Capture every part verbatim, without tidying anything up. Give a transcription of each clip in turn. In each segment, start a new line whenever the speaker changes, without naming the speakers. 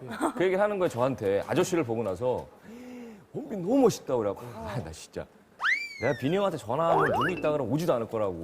그 얘기를 하는 거예요, 저한테. 아저씨를 보고 나서 원빈 너무 멋있다 그래갖고 아, 나 진짜 내가 빈이 형한테 전화하면 누구 있다 그러면 오지도 않을 거라고.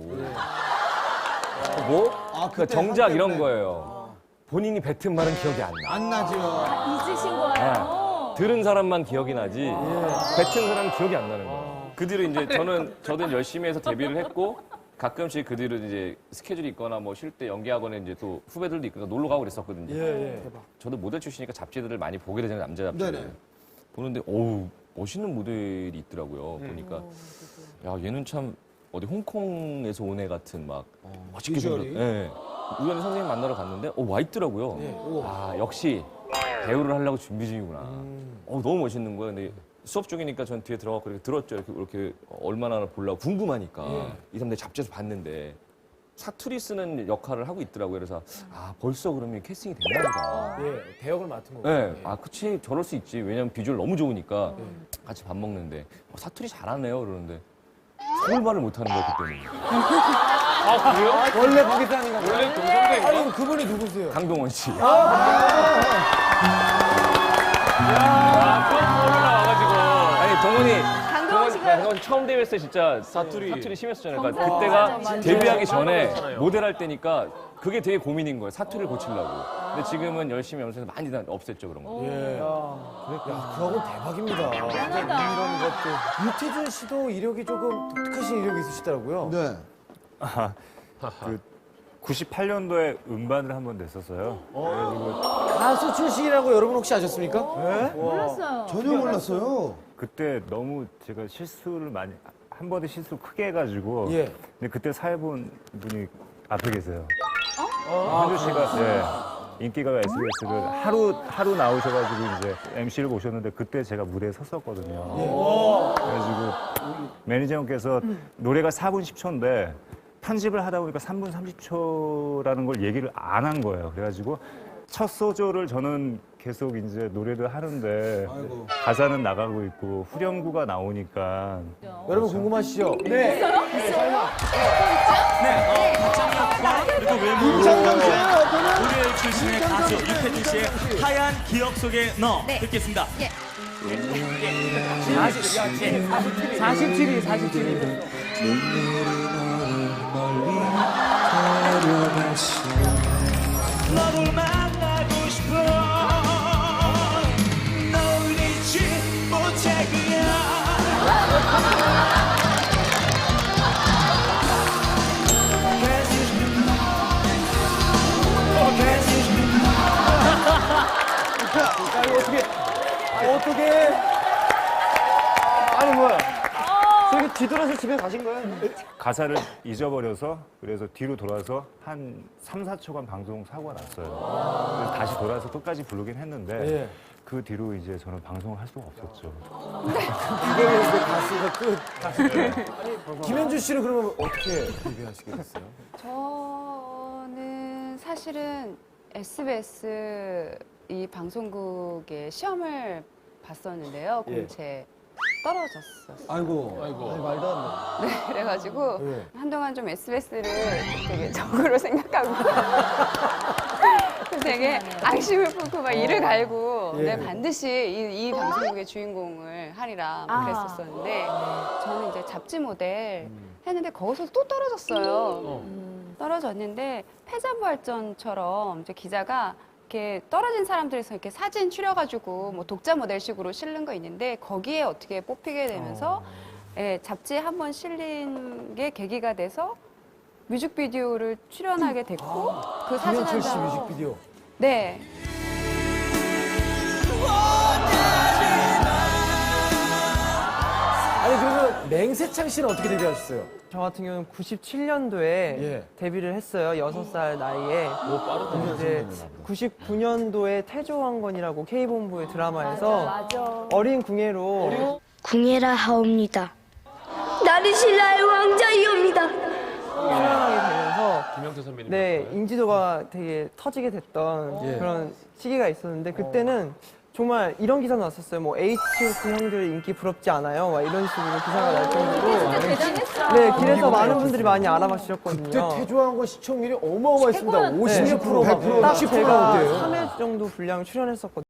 뭐?
아,
그 정작 이런 거예요. 본인이 뱉은 말은 기억이 안 나.
안 나죠.
잊으신 거예요?
들은 사람만 기억이 나지 뱉은 사람은 기억이 안 나는 거예요. 그 뒤로 이제 저는 저도 열심히 해서 데뷔를 했고 가끔씩 그 뒤로 이제 스케줄이 있거나 뭐 쉴 때 연기학원에 이제 또 후배들도 있고 놀러 가고 그랬었거든요.
예, 예.
저도 모델 출신이니까 잡지들을 많이 보게 되잖아요, 남자 잡지들.
네네.
보는데 어우 멋있는 모델이 있더라고요. 보니까 야 얘는 참 어디 홍콩에서 온 애 같은 막 멋있게 생겼.
비주얼이?
예. 우연히 선생님 만나러 갔는데 어 와 있더라고요. 아 역시 배우를 하려고 준비 중이구나. 어 너무 멋있는 거예요. 근데 수업 중이니까 전 뒤에 들어가고 이렇게 들었죠. 이렇게, 이렇게 얼마나 보려고 궁금하니까 이 사람 내 잡지에서 봤는데 사투리 쓰는 역할을 하고 있더라고요. 그래서 아 벌써 그러면 캐스팅이 됐나 보다.
예, 대역을 맡은 거고.
네, 아 그치 저럴 수 있지. 왜냐면 비주얼 너무 좋으니까 같이 밥 먹는데 어, 사투리 잘하네요. 그러는데 서울말을 못하는 거야 그때는.
아, 그래요?
원래 거기서 하는 건가요?
원래 동성대인가?
아니, 그분이 누구세요?
강동원 씨.
아, 처음 올라와가지고.
아니 동원이
강동원 씨가
동원 처음 데뷔했을 때 진짜
사투리.
사투리 심했었잖아요. 그러니까
맞아,
그때가
맞아.
데뷔하기 전에
맞잖아요.
모델할 때니까 그게 되게 고민인 거예요. 사투리를 고치려고. 근데 지금은 열심히 하면서 많이 다 없앴죠 그런 거.
예. 야, 그하고 대박입니다.
대단하다.
이런 것도. 유태준 씨도 이력이 조금 독특하신 이력이 있으시더라고요. 네.
그 구십팔 년도에 음반을 한 번 냈었어요. 그래가지고
가수 출신이라고 여러분 혹시 아셨습니까?
몰랐어요.
전혀 몰랐어요.
그때 너무 제가 실수를 많이 한 번에 실수 크게 해가지고
예.
근데 그때 사회본 분이 앞에 계세요. 현주 씨가 네, 인기가 에스비에스를 하루 하루 나오셔가지고 이제 엠씨를 모셨는데 그때 제가 무대에 섰었거든요. 그래가지고 매니저 형께서 노래가 사 분 십 초인데 편집을 하다 보니까 삼 분 삼십 초라는 걸 얘기를 안 한 거예요. 그래가지고 첫 소절을 저는 계속 이제 노래를 하는데
아이고.
가사는 나가고 있고 후렴구가 나오니까
여러분 궁금하시죠?
네. 그리고 외모
김창정 씨예요,
우리엘 출신의 가수 유태준 씨의 하얀 기억 속에 너 듣겠습니다.
사십칠 위, 사십칠 위.
너를 만나고 싶어 널 잊지 못해
자, 이거 어떻게, 아, 어떻게. 아니, 뭐야. 저기 뒤돌아서 집에 가신 거예요?
가사를 잊어버려서 그래서 뒤로 돌아서 한 삼, 사 초간 방송 사고가 났어요. 그래서 다시 돌아서 끝까지 부르긴 했는데
예.
그 뒤로 이제 저는 방송을 할 수가 없었죠.
이게 이제 가수가 끝. 아니, 김현주 씨는 그러면 어떻게 데뷔하시게 됐어요?
저는 사실은 에스비에스 이 방송국에 시험을 봤었는데요.
예.
공채 떨어졌었어요.
아이고. 아이고. 아니, 말도 안 돼.
네, 그래가지고
예.
한동안 좀 에스비에스를 되게 적으로 생각하고 되게 앙심을 품고 막 이를 갈고
예.
네, 반드시 이, 이 방송국의 주인공을 하리라
아.
그랬었었는데 저는 이제 잡지 모델 했는데 거기서 또 떨어졌어요. 떨어졌는데 패자부활전처럼 이제 기자가 이렇게 떨어진 사람들에서 이렇게 사진 추려가지고 뭐 독자 모델식으로 실는 거 있는데 거기에 어떻게 뽑히게 되면서 예, 잡지에 한 번 실린 게 계기가 돼서 뮤직비디오를 출연하게 됐고 그 사진
김현철 씨
한 장.
뮤직비디오.
네.
아니, 그러면 맹세창 씨는 어떻게 데뷔하셨어요?
저 같은 경우는 구십칠 년도에
예.
데뷔를 했어요. 여섯 살 나이에. 이제 구십구 년도에 태조왕건이라고 K본부의 드라마에서
맞아.
어린 궁예로
궁예라 하옵니다. 나리 신라의 왕자이옵니다.
출연하게 되면서
김영태 선배님.
네, 인지도가 되게 터지게 됐던
예.
그런 시기가 있었는데 그때는 정말 이런 기사 나왔었어요. 뭐 에이치 오 티 형들 인기 부럽지 않아요? 막 이런 식으로 기사가 날 정도로
진짜 대단했어.
네, 길에서 많은 분들이 많이 알아봐 주셨거든요.
그때 태조한 거 시청률이 어마어마했습니다.
최고였는데.
오십 몇 프로 막
딱
십 프로
제가
나올 때예요.
삼 회 정도 분량 출연했었거든요.